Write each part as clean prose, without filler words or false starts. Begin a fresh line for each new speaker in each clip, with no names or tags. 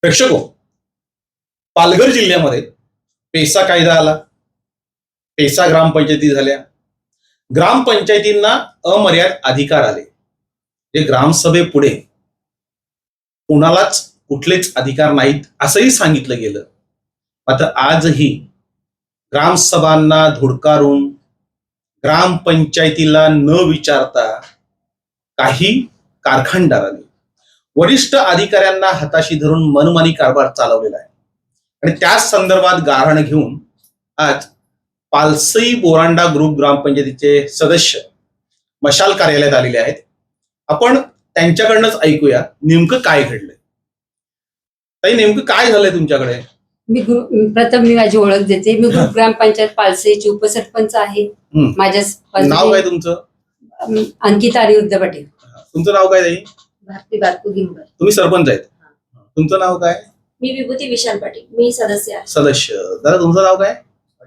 प्रेक्षको, पालघर जिल्ह्यामध्ये पेसा कायदा आला, पेसा ग्रामपंचायती झाल्या, ग्रामपंचायतींना अमर्याद अधिकार आले. जे ग्रामसभेपुढे कोणालाच कुठलेच अधिकार नाहीत असंही सांगितलं गेलं. मात्र आजही ग्रामसभांना धुडकारून ग्रामपंचायतीला न विचारता काही कारखानदारांनी वरिष्ठ अधिकाऱ्यांना हाताशी धरून मनमानी कारभार चालवलेला आहे. आणि त्याच संदर्भात गाऱ्हाण घेऊन आज पालसई बोरांडा ग्रुप ग्रामपंचायतीचे सदस्य मशाल कार्यालयात आलेले आहेत. आपण त्यांच्याकडनंच ऐकूया नेमकं काय घडलंय. ताई, नेमकं काय झालंय तुमच्याकडे?
प्रथम मी माझी ओळख देते. मी ग्रुप ग्रामपंचायत पालसईची उपसरपंच आहे. माझ्या
नाव काय तुमचं?
अंकिता अनिरुद्ध पाटील.
तुमचं नाव काय ताई?
भारती बारकू गिंबर.
तुम्ही सरपंच आहेत. तुमचं नाव काय?
मी विभूती विशाल पाटील, मी सदस्य आहे.
सदस्य. दादा, तुमचं नाव काय?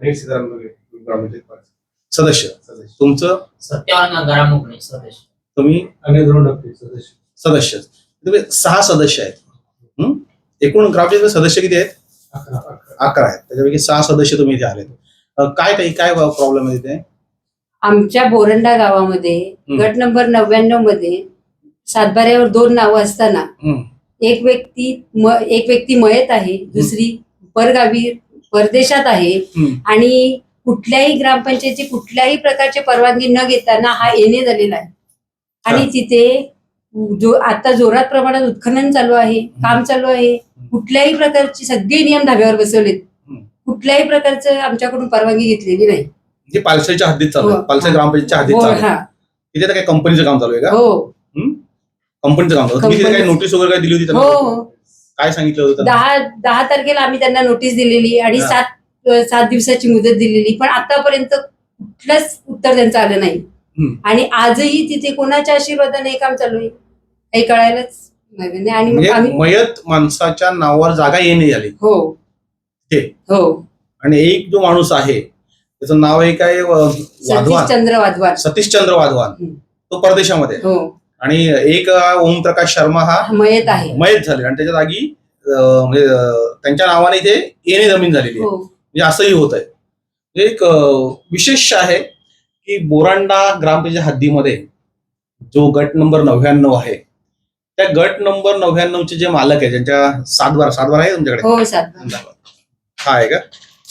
सदस्य. तुमचं?
सत्यावान गरामुकणे सदस्य.
तुम्ही? सदस्य. तुम्ही 6 सदस्य आहेत. एकूण ग्रामपंचायत सदस्य किती आहेत? 11 आहेत. त्याच्यापैकी 6 सदस्य तुम्ही इथे आलेत. काय प्रॉब्लेम आहे तिथे?
आमच्या बोरंडा गावामध्ये गट नंबर 99 मध्ये सातबाऱ्यावर 2 नावं असताना एक व्यक्ती मयत आहे, दुसरी परगावी परदेशात आहे. आणि कुठल्याही ग्रामपंचायतीची कुठल्याही प्रकारची परवानगी न घेताना हा येणे झालेला आहे. आणि तिथे आता जोरात प्रमाणात उत्खनन चालू आहे, काम चालू आहे. कुठल्याही प्रकारची सगळे नियम धाब्यावर बसवलेत. कुठल्याही प्रकारचं आमच्याकडून परवानगी घेतलेली नाही.
जे पालसईच्या हद्दीत चालू आहे, पालसई ग्रामपंचायतच्या हद्दीत चालू आहे. तिथे काय कंपनीचं काम चालू आहे का?
हो,
कंपनीचं काम चालू. तुम्ही काही नोटीस वगैरे काय दिली होती त्यांना?
हो.
काय सांगितलं होतं?
10 तारखेला आम्ही त्यांना नोटीस दिलेली आणि 7 दिवसाची मुदत दिलेली, पण आतापर्यंत कुठलंच उत्तर त्यांचं आलं नाही. आणि आजही तिथे कोणाच्या आशीर्वादाने हे काम चालू आहे काही कळायलाच नाही. आणि मग आम्ही
मयत माणसाच्या नावावर जागा येणे झाली.
हो
ते
हो.
आणि एक जो माणूस आहे त्याचं नाव आहे काय? वाधवान. सतीशचंद्र वाधवान. तो परदेशामध्ये.
हो.
आणि एक ओमप्रकाश शर्मा हा मयत झाले आणि त्याच्या जागी म्हणजे त्यांच्या नावाने इथे येणे जमीन झालेली आहे. म्हणजे असंही होत आहे. एक विशेष आहे की बोरांडा ग्रामपंचायत हद्दीमध्ये जो गट नंबर 99 आहे, त्या गट नंबर 99 चे जे मालक आहे, ज्यांच्या सातबारा आहे तुमच्याकडे?
हो, 7
हा आहे का?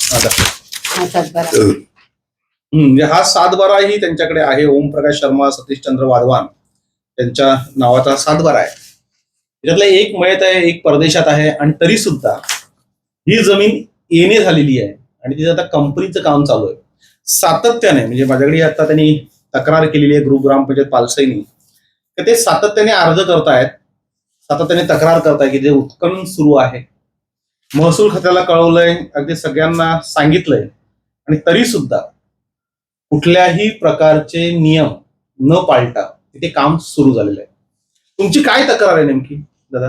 म्हणजे हा 7 ही त्यांच्याकडे आहे. ओमप्रकाश शर्मा, सतीशचंद्र वाधवान त्यांच्या नावाचा 7 आहे. त्याच्यातला एक मयत आहे, एक परदेशात आहे. आणि तरी सुद्धा ही जमीन येणे झालेली आहे आणि तिथे आता कंपनीचं काम चालू आहे. सातत्याने म्हणजे माझ्याकडे आता त्यांनी तक्रार केलेली आहे ग्रुप ग्रामपंचायत पालसईनी, तर ते सातत्याने अर्ज करतायत, सातत्याने तक्रार करतायत की जे उत्खनन सुरू आहे. महसूल खात्याला कळवलंय, अगदी सगळ्यांना सांगितलंय, आणि तरी सुद्धा कुठल्याही प्रकारचे नियम न पाळता तिथे काम सुरू झालेलं आहे. तुमची काय तक्रार आहे नेमकी दादा?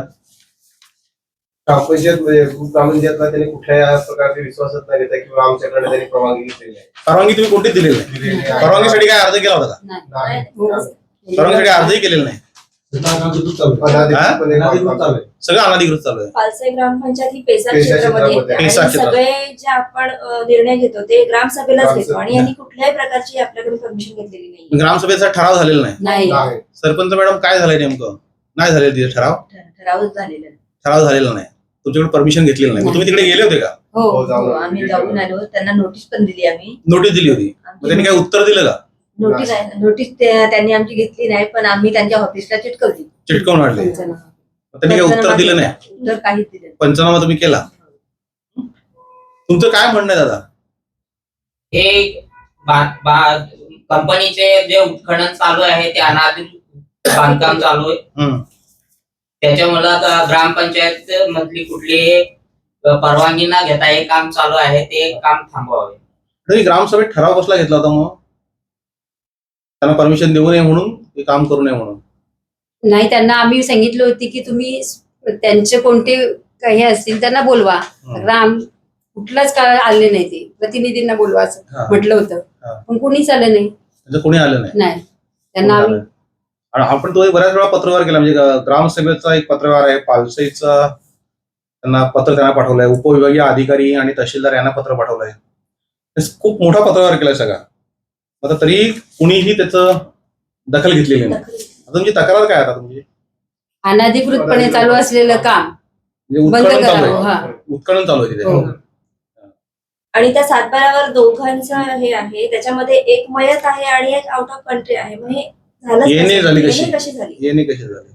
ग्रामपंचायतला त्यांनी कुठल्या प्रकारचे विश्वासात नाही घेता किंवा आमच्याकडे त्यांनी परवानगी घेतलेली आहे.
परवानगी तुम्ही कोणतीच दिलेली नाही? परवानगीसाठी काय अर्ज केला होता का? परवानगीसाठी अर्जही केलेला नाही. सगळं अनधिकृत चालू आहे.
पालसई ग्रामपंचायत ही पेसा क्षेत्रामध्ये येते आणि सगळे जे आपण निर्णय घेतो ते ग्रामसभेलाच घेतो आणि यांनी कुठल्याही प्रकारची आपल्याकडून परमिशन घेतलेली नाही.
ग्रामसभेचा ठराव झालेला
नाही.
सरपंच मॅडम, काय झालंय नेमकं? नाही झालेलं तिथे ठराव झालेला नाही. तुमच्याकडे परमिशन घेतलेलं नाही. तुम्ही तिकडे गेले होते का?
हो,
आम्ही जाऊन आलो, त्यांना नोटीस पण दिली. आम्ही
नोटीस दिली होती. त्यांनी काय उत्तर दिलं का?
नोटीस त्यांनी आमची घेतली नाही, पण आम्ही त्यांच्या ऑफिसला
चिटकवून आणले. त्यांनी काय उत्तर दिलं नाही?
उत्तर काहीच दिलं.
पंचनामा तुम्ही केला? तुमचं काय म्हणणं आहे दादा?
हे कंपनीचे जे उत्खनन चालू आहे ते अनाधिकृत बांधकाम चालू आहे. त्याच्यामुळे आता ग्रामपंचायत मधली कुठली परवानगी न घेता हे काम चालू आहे, ते काम थांबवावे.
तरी ग्रामसभेत ठराव कसला घेतला होता मग? त्यांना परमिशन देऊ नये म्हणून, हे काम करू नये म्हणून?
नाही, त्यांना आम्ही सांगितलं होती की तुम्ही त्यांचे कोणते काही असतील त्यांना बोलवा. कुठलाच काळ आले नाही, ते प्रतिनिधींना बोलवा असं म्हटलं होतं, पण कोणीच आलं नाही.
कोणी आलं
नाही. त्यांना
आपण तो बऱ्याच वेळा पत्रव्यवहार केला. म्हणजे ग्रामसभेचा एक पत्रव्यवहार आहे, पालसईचा त्यांना पाठवलंय, उपविभागीय अधिकारी आणि तहसीलदार यांना पत्र पाठवलंय. खूप मोठा पत्रव्यवहार केलाय सगळा. आता तरी कुणीही त्याचं दखल घेतलेली नाही. आता तुमची तक्रार काय आता तुमची?
अनधिकृतपणे चालू असलेलं काम
म्हणजे
बंद
उत्खनन चालू
करावं.
आहे. उत्खनन चालू आहे तिथे.
हो.
आणि त्या सातबाऱ्यावर दोघांचं हे आहे, त्याच्यामध्ये एक मयत आहे आणि एक आउट ऑफ कंट्री आहे. मग हे झालं
येणे झाली कशी?
कशी झाली?
येणे कशी झाली?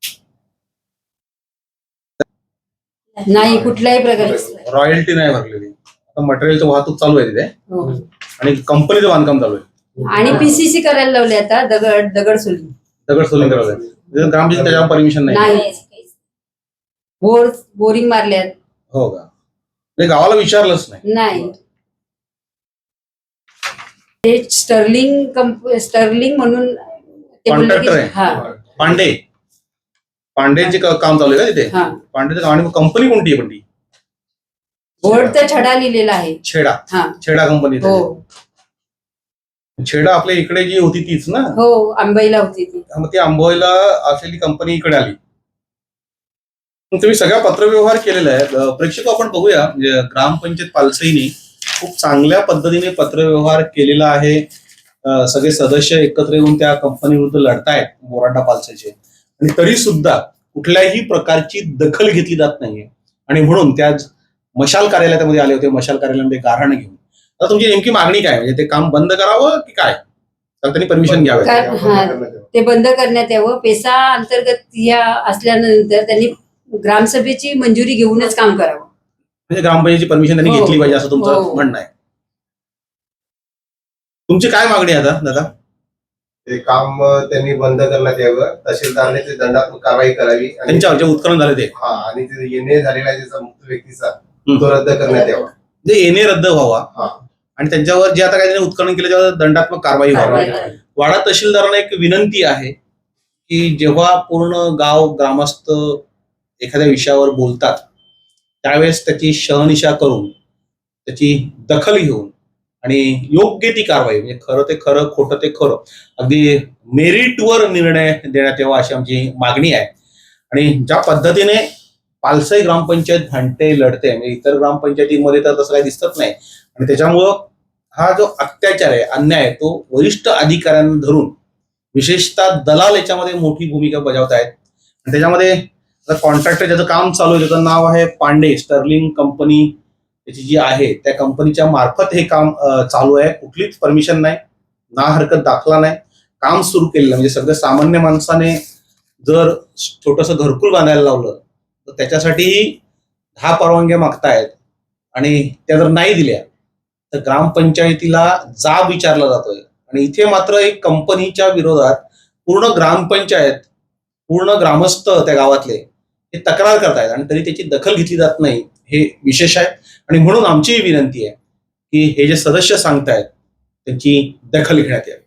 नाही, कुठल्याही प्रकारची.
रॉयल्टी नाही भरलेली. आता मटेरियलची वाहतूक चालू आहे तिथे
हो.
आणि कंपनीचं बांधकाम चालू आहे.
आणि पीसीसी करायला लावले आता, दगड सोडली.
दगड सोलिंग करायला आहे. ग्रामपंचायत त्याच्यावर परमिशन नाही.
नाही. बोरिंग मारल्यात.
हो का? म्हणजे गावाला विचारलंच नाही.
नाही. ते स्टर्लिंग म्हणून ते बोलले
कॉन्ट्रॅक्टर
की
आहे.
हा
पांडेचे काम चालू आहे का तिथे?
हा.
पांडेचं काम. आणि कंपनी कोणती आहे पण ती?
बोर्डचा छडा लिहिलेला आहे.
छेडा कंपनी.
हो
छेडा आपल्या इकडे जी होती तीच ना?
हो, आंबईला होती ती.
मग ती आंबोईला असलेली कंपनी इकडे आली. मग तुम्ही सगळा पत्रव्यवहार केलेला आहे. प्रेक्षक आपण बघूया, म्हणजे ग्रामपंचायत पालसईने खूप चांगल्या पद्धतीने पत्रव्यवहार केलेला आहे. सगळे सदस्य एकत्र येऊन त्या कंपनी विरुद्ध लढतायत मोरांडा पालसईचे, आणि तरी सुद्धा कुठल्याही प्रकारची दखल घेतली जात नाहीये. आणि म्हणून त्या मशाल कार्यालयामध्ये आले होते, मशाल कार्यालयामध्ये गाऱ्हाण घेऊन. आता तुमची नेमकी मागणी काय? म्हणजे ते काम बंद करावं की काय? तर त्यांनी परमिशन घ्यावं.
ते बंद करण्यात यावं. पेसा अंतर्गत या असल्यानंतर त्यांनी ग्रामसभेची मंजुरी घेऊनच काम करावं.
म्हणजे ग्रामपंचायतीची परमिशन त्यांनी
हो.
घेतली पाहिजे असं तुमचं
हो.
म्हणणं आहे. तुमची काय मागणी आहे आता दादा?
ते काम त्यांनी बंद करण्यात यावं. तहसीलदारने ते दंडात्मक कारवाई करावी आणि
त्यांच्यावर जे उत्खनन झाले ते
आणि ते येणे झालेला आहे त्याचा मुक्त व्यक्तीचा तो रद्द करण्यात यावा.
जे येणे रद्द व्हावा
हा.
आणि त्यांच्यावर जे आता काही त्यांनी उत्खनन केलं त्यावर दंडात्मक कारवाई व्हावी. वाडा तहसीलदारांना एक विनंती आहे की जेव्हा पूर्ण गाव ग्रामस्थ एखाद्या विषयावर बोलतात त्यावेळेस त्याची शहनिशा करून त्याची दखल घेऊन आणि योग्य ती कारवाई, म्हणजे खरं ते खरं, खोटं ते खरं, अगदी मेरिटवर निर्णय देण्यात यावा अशी आमची मागणी आहे. आणि ज्या पद्धतीने पालसई ग्रामपंचायत भांडते लढते, म्हणजे इतर ग्रामपंचायतीमध्ये तर तसं काही दिसत नाही. आणि त्याच्यामुळं हा जो अत्याचार आहे, अन्याय आहे, तो वरिष्ठ अधिकाऱ्यांना धरून विशेषतः दलाल याच्यामध्ये मोठी भूमिका बजावत आहेत. आणि त्याच्यामध्ये कॉन्ट्रॅक्टर ज्याचं काम चालू आहे त्याचं नाव आहे पांडे. स्टर्लिंग कंपनी त्याची जी आहे त्या कंपनीच्या मार्फत हे काम चालू आहे. कुठलीच परमिशन नाही, ना हरकत दाखला नाही, काम सुरू केलेलं. म्हणजे सगळं सामान्य माणसाने जर छोटंसं घरकुल बांधायला लावलं तर त्याच्यासाठी 10 परवानग्या मागतायत आणि त्या जर नाही दिल्या तर ग्रामपंचायतीला जाब विचारला जातोय. आणि इथे मात्र एक कंपनीच्या विरोधात पूर्ण ग्रामपंचायत, पूर्ण ग्रामस्थ त्या गावातले हे तक्रार करतायत आणि तरी त्याची दखल घेतली जात नाही. हे विशेष आहे. आणि म्हणून आमची विनंती आहे की हे जे सदस्य सांगतायत त्यांची दखल घेण्यात यावी.